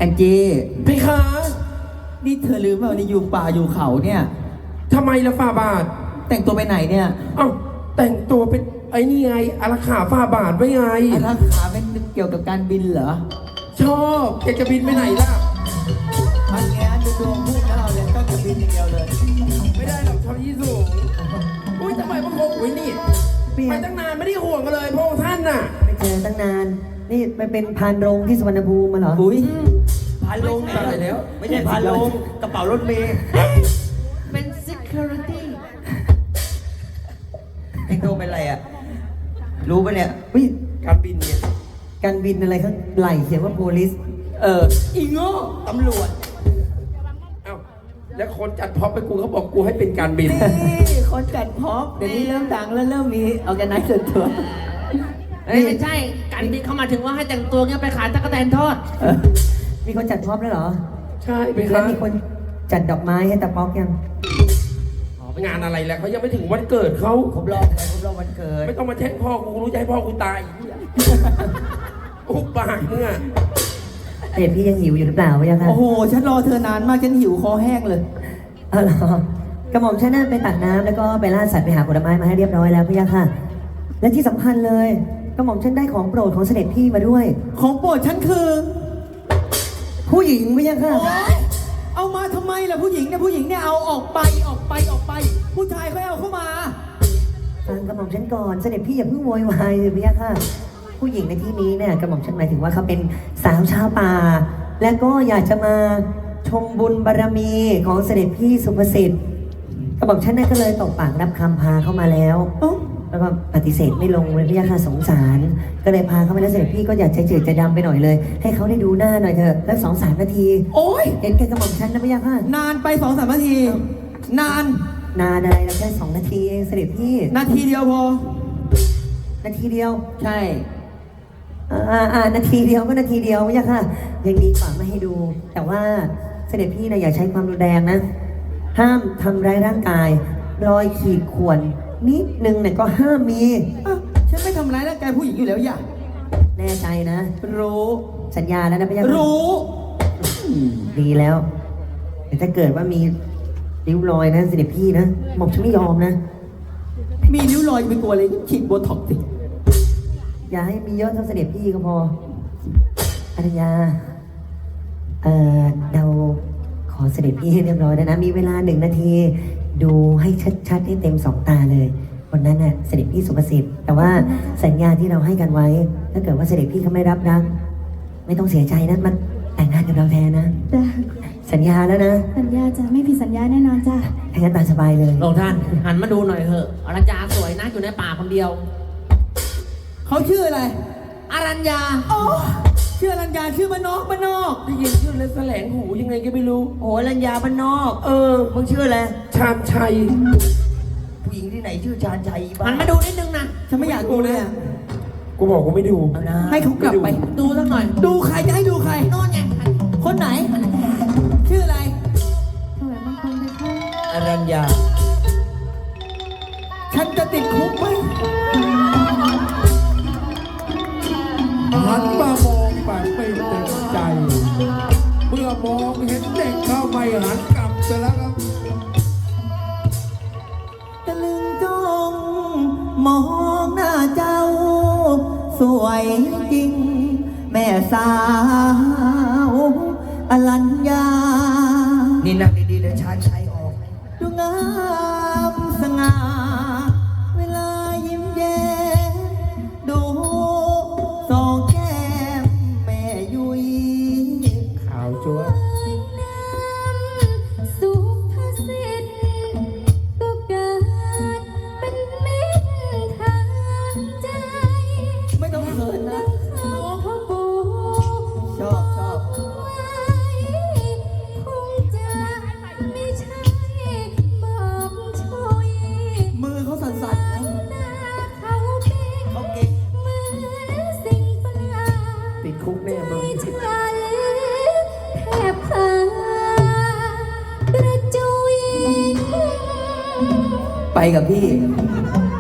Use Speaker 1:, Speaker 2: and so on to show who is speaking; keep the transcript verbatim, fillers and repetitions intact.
Speaker 1: แองจี้
Speaker 2: เพคะ
Speaker 1: นี่เธอลืมว่าวันนี้อยู่ป่าอยู่เขาเนี่ย
Speaker 2: ทำไมละฝ่าบาท
Speaker 1: แต่งตัวไปไหนเนี่ย
Speaker 2: เอ้าแต่งตัวเป็นไอ้นี่ไงอาราขาฝ่าบาทไว้ไง
Speaker 1: อารักขาเป็นเกี่ยวกับการบินเหรอ
Speaker 2: ชอบแกจะบินไปไหนล่ะ
Speaker 1: มันแง่ดูดวงพูดนะเราเลยก็จะบินอย่างเดียวเลย
Speaker 2: ไม่ได้หรอกชอบยี่สูงอุ้ยทำไมพระองค์อุ้ยนี่ไปตั้งนานไม่ได้ห่วงกันเลยพระองค์ท่านน่ะ
Speaker 3: ไม่เจอตั้งนาน นี่ไปเป็นพานโรงที่สุวรรณภูมิมาเหรอ
Speaker 1: อุ้ย
Speaker 2: พาลงตายแล้ว
Speaker 1: ไม่ใช่พาลงกระเป๋ารถเมย์
Speaker 4: เป็น security
Speaker 1: แต่งตัวเป็นอะไรอ่ะ รู้ปะเนี่ย
Speaker 3: วิ
Speaker 2: การบินเนี่ย
Speaker 3: การบินอะไรข้างไหลเขียนว่า police
Speaker 1: เออ อีโง่ตำรวจ
Speaker 2: เอ้าแล้วคนจัดพ็อปไปกูเขาบอกกูให้เป็นการบิน
Speaker 1: นี่คนจัดพร็อพเดี๋ยวนี้เริ่มดังแล้วเริ่มมีเอาแกไนซ์ส่วนตัว
Speaker 4: เอ้ยไม่ใช่ การบินเขามาถึงว่าให้แต่งตัวเงี้ยไปขายตะกั่วแตนทอด
Speaker 1: เออ
Speaker 3: มีคนจัดพร็อพแล้วเหรอ
Speaker 2: ใช่เพ
Speaker 3: แล้
Speaker 2: คะ
Speaker 3: วมีคนจัดดอกไม้ให้ตาป๊อกยัง
Speaker 2: งานอะไรแล้วเขายังไม่ถึงวันเกิดเขา
Speaker 1: ครบรอบไงครบรอบวันเกิด
Speaker 2: ไม่ต้องมาแช่งพ่อกูรู้ใจพ่อกูตายอุบปากมึงอ่ะ
Speaker 3: เด็พี่ยังหิวอยู่หรือเปล่าวะยังคะ
Speaker 1: โอ้โห ฉันรอเธอนานมาก ฉันหิวคอแห้งเลย
Speaker 3: เออเหรอกระหม่อมฉันน่ะไปตักน้ำแล้วก็ไปล่าสัตว์ไปหาผลไม้มาให้เรียบร้อยแล้วพี่ยังค่ะ และที่สำคัญเลยกระหม่อมฉันได้ของโปรดของเสด็จพี่มาด้วย
Speaker 1: ของโปรดฉันคือ
Speaker 3: ผู้หญิงพี่ยังค่ะ
Speaker 1: โอ๊ยเอามาทำไมล่ะผู้หญิงเนี่ยผู้หญิงเนี่ยเอาออกไปออกไปออกไป ผู้ชายเขาเอาเข้ามา
Speaker 3: ฟังกระหม่อมฉันก่อนเสด็จพี่อย่าเพิ่งโวยวายเลยพี่ยะค่ะ ผู้หญิงในที่นี้เนี่ยกระหม่อมฉันหมายถึงว่าเขาเป็นสาวชาวป่า และก็อยากจะมาชมบุญบารมีของเสด็จพี่สุภสิทธิ์กระหม่อมฉันนั่นก็เลยตกปากรับคำพาเข้ามาแล้ว
Speaker 1: เอ้า
Speaker 3: แล้วก็ปฏิเสธไม่ลงเลยพี่ยะค่ะสงสาร ก็เลยพาเขามาแล้วเสด็จพี่ก็อยากจะจืดจะดำไปหน่อยเลย ให้เขาได้ดูหน้าหน่อยเถอะแล้วสองสามนาที
Speaker 1: โอ๊ย
Speaker 3: เห็นแค่กระหม่อมฉันนะพี่ยะค่ะ
Speaker 1: นานไปสองสามนาที นาน
Speaker 3: นานอะไรแล้วแค่สองนาทีเองเสด็จพี่
Speaker 1: นาทีเดียวพอ
Speaker 3: นาทีเดียว
Speaker 1: ใช่
Speaker 3: อ่าอ่านาทีเดียวก็นาทีเดียวไม่ใช่ค่ะยังดีกว่าไม่ให้ดู แต่ว่าเสด็จพี่นะอย่าใช้ความรุนแรงนะ ห้ามทำร้ายร่างกาย รอยขีดข่วนนิดนึงเนี่ยก็ห้ามมี
Speaker 1: อ้าวฉันไม่ทำร้ายร่างกายผู้หญิงอยู่แล้วอย่า
Speaker 3: แน่ใจนะ
Speaker 1: รู้
Speaker 3: สัญญาแล้วนะพี่ยาค่ะ
Speaker 1: รู้
Speaker 3: ดีแล้วแต่ถ้าเกิดว่ามีริ้วรอยนะเสด็จพี่นะหม่อมฉันไม่ยอมนะ
Speaker 1: มีนิ้วรอยไปกลัวเลยฉีดโบท็อกซ์สิ
Speaker 3: อย่าให้มีเยอะเท่าเสด็จพี่ก็พออารยา เอ่อเราขอเสด็จพี่ให้เรียบร้อยแล้วนะ มีเวลาหนึ่งนาที ดูให้ชัดๆให้เต็มสองตาเลยวันนั้นน่ะเสด็จพี่สุภสิทธิ์ แต่ว่าสัญญาที่เราให้กันไว้ ถ้าเกิดว่าเสด็จพี่เขาไม่รับรัก ไม่ต้องเสียใจนะมันแต่งงานกับเราแทนนะ
Speaker 5: จ้ะ
Speaker 3: สัญญาแล้วนะ
Speaker 5: สัญญาจ้ะไม่ผิดสัญญาแน่นอนจ้ะ
Speaker 3: ถ้างั้นตามสบายเลย
Speaker 4: ลงท่าน หันมาดูหน่อยเถอะอรัญญาสวยนะอยู่ในป่าคนเดียว
Speaker 1: เขาชื่ออะไร
Speaker 4: อรัญญา
Speaker 1: อ๋อชื่ออรัญญาชื่อมานอกมานอก
Speaker 2: ได้ยินชื่อแล้วแสลงหูยังไงก็ไม่รู้
Speaker 1: โอ้อรัญญาบ้านนอก
Speaker 2: เออ
Speaker 1: มึงชื่ออะไร
Speaker 2: ชาญชัย
Speaker 1: ผู้หญิงที่ไหนชื่อชาญชัยบ้า
Speaker 4: หันมาดูนิดนึงนะ
Speaker 1: ฉันไม่อยากดูเลยอ่ะ
Speaker 2: กูบอกกูไม่ดู
Speaker 1: เอานะให้เขากลับไป
Speaker 4: ดูสักหน่อย
Speaker 1: ดูใครจะให้ดูใคร
Speaker 4: โน่นไง
Speaker 1: คนไหน ชื่ออะไร
Speaker 5: ถวายบังคมไปค่ะ
Speaker 1: อรัญญา ฉันจะติดคุกไหม
Speaker 6: หันมามองแบบไม่เต็มใจ เมื่อมองเห็นเด็กเข้าไม่หันกลับไปแล้วครับ
Speaker 1: ตะลึงจ้องมองหน้าเจ้า สวยจริง แม่สาวอรัญญา นี่นั่งดีๆเดี๋ยวชาญชัยออก ดูงามสง่า เวลายิ้มแย้มดูสองแก้มแม่ยุย
Speaker 2: ขาวจั๊ว
Speaker 5: สุภสิทธิ์ก็เกิดเป็นมิตรทางใจ
Speaker 1: ไม่ต้องเขินนะ
Speaker 5: ขอพ่อปู่
Speaker 1: ชอบชอบ
Speaker 5: ไว้คงจะไม่ใช่บอกช่วย
Speaker 1: มือเขาสั่นๆนะ
Speaker 5: หน้าเขาเป็น
Speaker 1: เขาเก่ง
Speaker 5: เหมือนสิ่งประหลาด
Speaker 2: ติดคุกแน่มึง
Speaker 5: ฉันแทบพากระจุย
Speaker 1: ไปกับพี่